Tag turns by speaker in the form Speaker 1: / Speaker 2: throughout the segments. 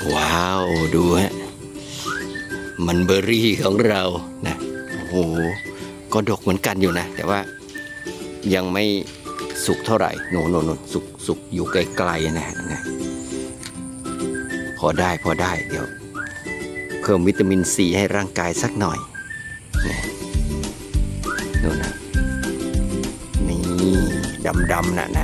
Speaker 1: ว้าวดูฮะมันเบอร์รี่ของเรานะโอ้โหก็ดกเหมือนกันอยู่นะแต่ว่ายังไม่สุกเท่าไหร่โน่นสุกอยู่ไกลๆนะพอได้เดี๋ยวเพิ่มวิตามินซีให้ร่างกายสักหน่อยนะโน่นนะนี่ดำนะ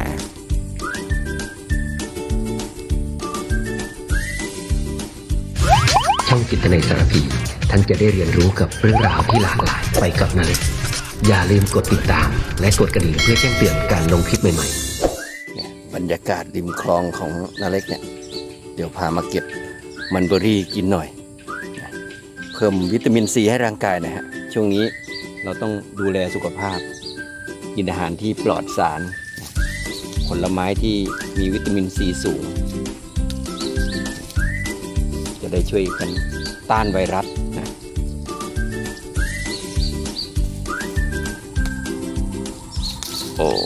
Speaker 2: ช่องจิตนาสารพีท่านจะได้เรียนรู้กับเรื่องราวที่หลากหลายไปกับนาเล็กอย่าลืมกดติดตามและกดกระดิ่งเพื่อแจ้งเตือนการลงคลิปใหม่ๆ
Speaker 1: เนี่ยบรรยากาศริมคลองของนาเล็กเนี่ยเดี๋ยวพามาเก็บมันเบอร์รี่กินหน่อยเพิ่มวิตามินซีให้ร่างกายนะฮะช่วงนี้เราต้องดูแลสุขภาพกินอาหารที่ปลอดสารผลไม้ที่มีวิตามินซีสูงจะได้ช่วยกันต้านไวรัสนะโอ้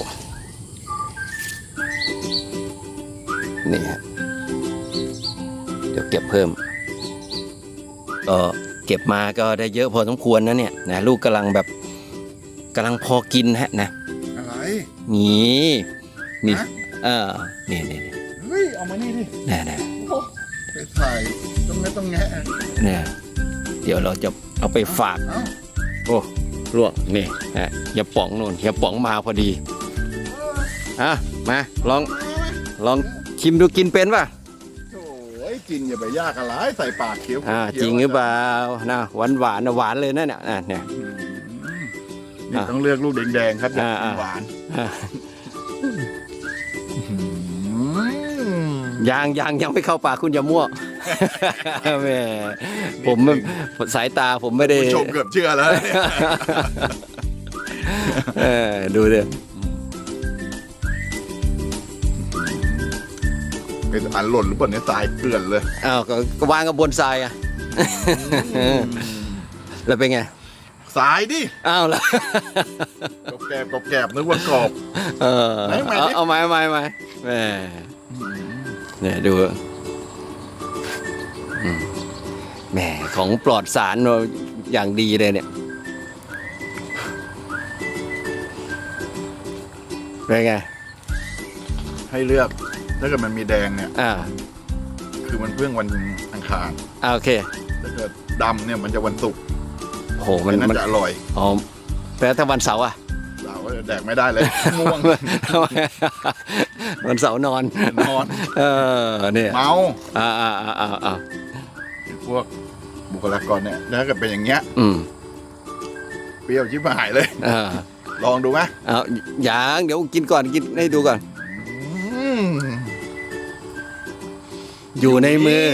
Speaker 1: นี่ฮะเดี๋ยวเก็บเพิ่มก็เก็บมาก็ได้เยอะพอสมควรนะเนี่ยนะลูกกำลังพอกินฮะนะ
Speaker 3: อะไร
Speaker 1: นี่นี่
Speaker 3: ฮะ
Speaker 1: นี่
Speaker 3: เฮ้ยเอามานี่ดิ
Speaker 1: นี่
Speaker 3: โอ้ไปถ่ายต้องแงะ
Speaker 1: เนี่ยเดี๋ยวเราจะเอาไปฝาก
Speaker 3: เอ้า
Speaker 1: โอ้ล่วงนี่ฮะอย่าป๋องโน่นอย่าป๋องมาพอดีมาลองชิมดูกินเป็นป่ะ
Speaker 3: โอ้ยกินอย่าไปยากอะไรใส่ปากเคี้ยว
Speaker 1: จริงหรือเปล่านะหวานหวานเลยนะเนี่ย
Speaker 3: นี่ต้องเลือกลูกแดงๆครับหวาน
Speaker 1: ยังไม่เข้าปากคุณอย่ามั่วแม่ผมสายตาผมไม่ได้
Speaker 3: ชมเกือบเชื่อแล้ว
Speaker 1: ดูดิ
Speaker 3: เป็นอันหล่นหรือเปล่าเนี่ยทรายเกลื่อนเลย
Speaker 1: อ้าวก็วางกับบนทรายอะแล้วเป็นไง
Speaker 3: ทรายดิ
Speaker 1: อ้าวแล้ว
Speaker 3: กรอบนึกว่ากรอบ
Speaker 1: เอาไม้แม่เนี่ยดูแหมของปลอดสารอย่างดีเลยเนี่ยเป็นไง
Speaker 3: ให้เลือกถ้าเกิดมันมีแดงเนี่ยคือมันเพิ่งวันอังคาร
Speaker 1: โอเค
Speaker 3: ถ้าเกิดดำเนี่ยมันจะวันศุกร์
Speaker 1: โหมัน
Speaker 3: จะอร่อย
Speaker 1: อ๋อแต่ถ้าวันเสาร์อะ
Speaker 3: เสาร์แดกไม่ได้เลยง่วง
Speaker 1: วันเสาร์นอนเนี่ย
Speaker 3: เมา
Speaker 1: อ่า
Speaker 3: พวกบุคลากรเนี่ยถ้าเกิดเป็นอย่างเงี้ยเปรี้ยวชิบหายเลยลองดูไหม
Speaker 1: อย่างเดี๋ยวกินก่อนกินให้ดูก่อนอยู่ในมือ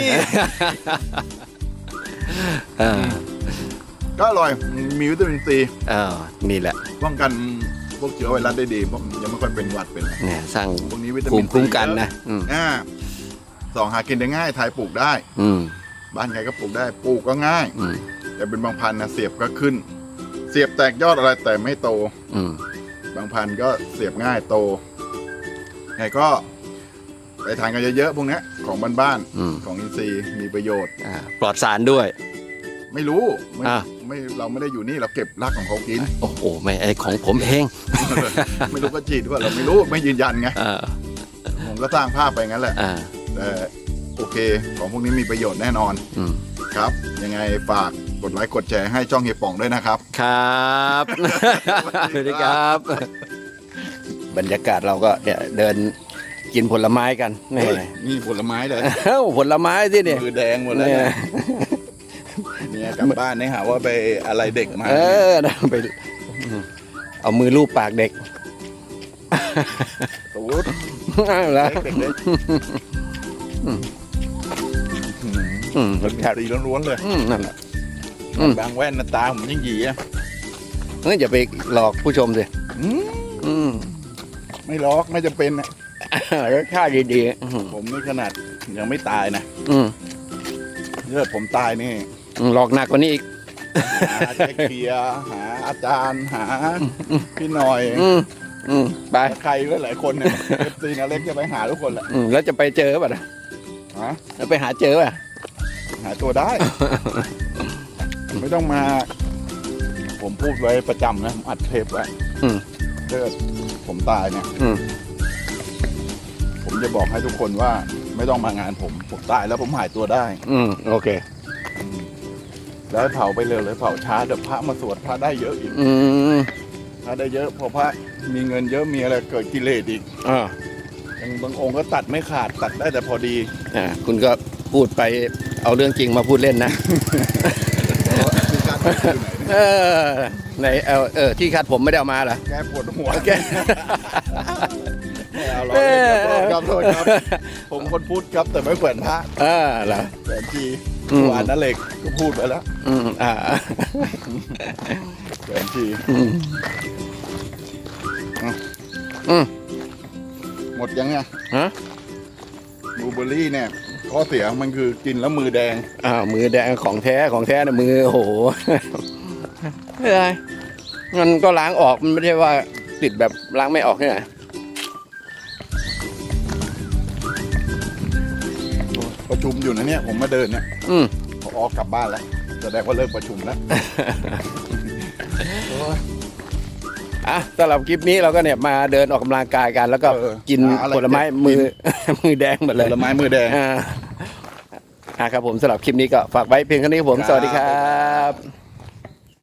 Speaker 3: ก็อร่อยมีวิตามินซี
Speaker 1: นี่แหละ
Speaker 3: ป้องกันพวกเชื้อไวรัสได้ดีเพราะยังไม่ค่อยเป็นหวัดเป็น
Speaker 1: เนี่ยสร้าง
Speaker 3: พวกนี้วิตามิ
Speaker 1: นคุ้มกันนะ
Speaker 3: สองหากินได้ง่ายไทยปลูกได้บ้านใครก็ปลูกได้ปลูกก็ง่ายแต่เป็นบางพันธุ์นะเสียบก็ขึ้นเสียบแตกยอดอะไรแต่ไม่โตบางพันธุ์ก็เสียบง่ายโตไงก็ไปทานกันเยอะๆพวกนี้ของบ้านๆของอินทรีย์มีประโยชน์
Speaker 1: ปลอดสารด้วย
Speaker 3: ไม่รู้ไม่เราไม่ได้อยู่นี่เราเก็บรากของเขากิน
Speaker 1: โอ้โหไม่ไอของผมเอง
Speaker 3: ไม่รู้ก็จีดว่าเราไม่รู้ไม่ยืนยันไงผมก็สร้างภาพไปงั้นแหละแต่โอเคของพวกนี้มีประโยชน์แน่นอนครับยังไงฝากกดไลค์กดแชร์ให้ช่องเฮียป่องด้วยนะครับ
Speaker 1: ครับสวัสดีครับบรรยากาศเราก็เนี่ยเดินกินผลไม้กัน
Speaker 3: นี่ผลไม้เลย
Speaker 1: ผลไม้ที่เนี่ย
Speaker 3: มือแดงหมดเลยเนี่ยกลับบ้านเนี่ยหาว่าไปอะไรเด็กมา
Speaker 1: ไปเอามือลูบปากเด็ก
Speaker 3: ตูด
Speaker 1: แล้ว
Speaker 3: รสชาติดีล้วนๆเลย
Speaker 1: นั่นแหละ
Speaker 3: บางแว่นตาผมยิ่งหยีอ่ะ
Speaker 1: อย่าไปหลอกผู้ชมสิ
Speaker 3: ไม่หลอกไม่จะเป็นอ่ะ
Speaker 1: รสชาติดี
Speaker 3: ๆผมนี่ขนาดยังไม่ตายนะเลือดผมตายนี่
Speaker 1: หลอกหนักกว่านี้อีก
Speaker 3: หาเจ๊เกียหาอาจารย์หาพี่หน่อย
Speaker 1: ไป
Speaker 3: ใครหลายคนเนี่ยซีนาเล็กจะไปหาทุกคนแหละ
Speaker 1: แล้วจะไปเจอป่ะแล้วไปหาเจอป่ะ
Speaker 3: หายตัวได้ ไม่ต้องมา ผมพูดไว้ประจำนะผมอัดเทปไว้
Speaker 1: อืม
Speaker 3: ถ้าเกิดผมตายเนี่ย
Speaker 1: อืม
Speaker 3: ผมจะบอกให้ทุกคนว่าไม่ต้องมางานผมตายแล้วผมหายตัวได้
Speaker 1: อืมโอเค
Speaker 3: แล้วให้เผาไปเร็วเลยเผาช้าเดี๋ยวพระมาสวดพระได้เยอะอีก
Speaker 1: อืม
Speaker 3: พระได้เยอะพอพระมีเงินเยอะมีอะไรเกิดกิเลสอีก
Speaker 1: อ่า
Speaker 3: อย่างบางองค์ก็ตัดไม่ขาดตัดได้แต่พอดี
Speaker 1: คุณก็พูดไปเอาเรื่องจริงมาพูดเล่นนะ
Speaker 3: คือการพูดอยู่ไหนเนี่ย
Speaker 1: เออไหนที่คัดผมไม่ได้เอามาเหรอ
Speaker 3: แกปวดหัว
Speaker 1: แก
Speaker 3: ไม่เอาหรอกเล่นครับโทษครับ ผมคนพูดครับแต่ไม่แขวนพระ
Speaker 1: เหรอ
Speaker 3: แขวนที
Speaker 1: อืม
Speaker 3: หวานนั่นเหล็กก็พูดไปแล้ว
Speaker 1: อ่า
Speaker 3: แขวนที
Speaker 1: อืม
Speaker 3: หมดยังไง
Speaker 1: ฮะ
Speaker 3: บลูเบอร์รี่เนี่ยข้อเสียมันคือกินแล้วมือแดง
Speaker 1: มือแดงของแท้นะมือโอ้โหไม่ได้มันก็ล้างออกมันไม่ใช่ว่าติดแบบล้างไม่ออกเนี่ย
Speaker 3: ประชุมอยู่นะเนี่ยผมมาเดินเนี่ย
Speaker 1: อืม
Speaker 3: พอออกกลับบ้านแล้วแสดงว่าเลิกประชุมแล้ว
Speaker 1: สำหรับคลิปนี้เราก็เนี่ยมาเดินออกกำลังกายกัน แล้วก็ กิน
Speaker 3: อะไร
Speaker 1: ผลไม้
Speaker 3: เจ็บ
Speaker 1: มือ มือแดงหมด
Speaker 3: ผ
Speaker 1: เลย
Speaker 3: ลไม้มือแดง
Speaker 1: ครับผมสำหรับคลิปนี้ก็ฝากไว้เพียงเท่านี้ครับผม
Speaker 3: ครับ
Speaker 1: สวัสดีครับ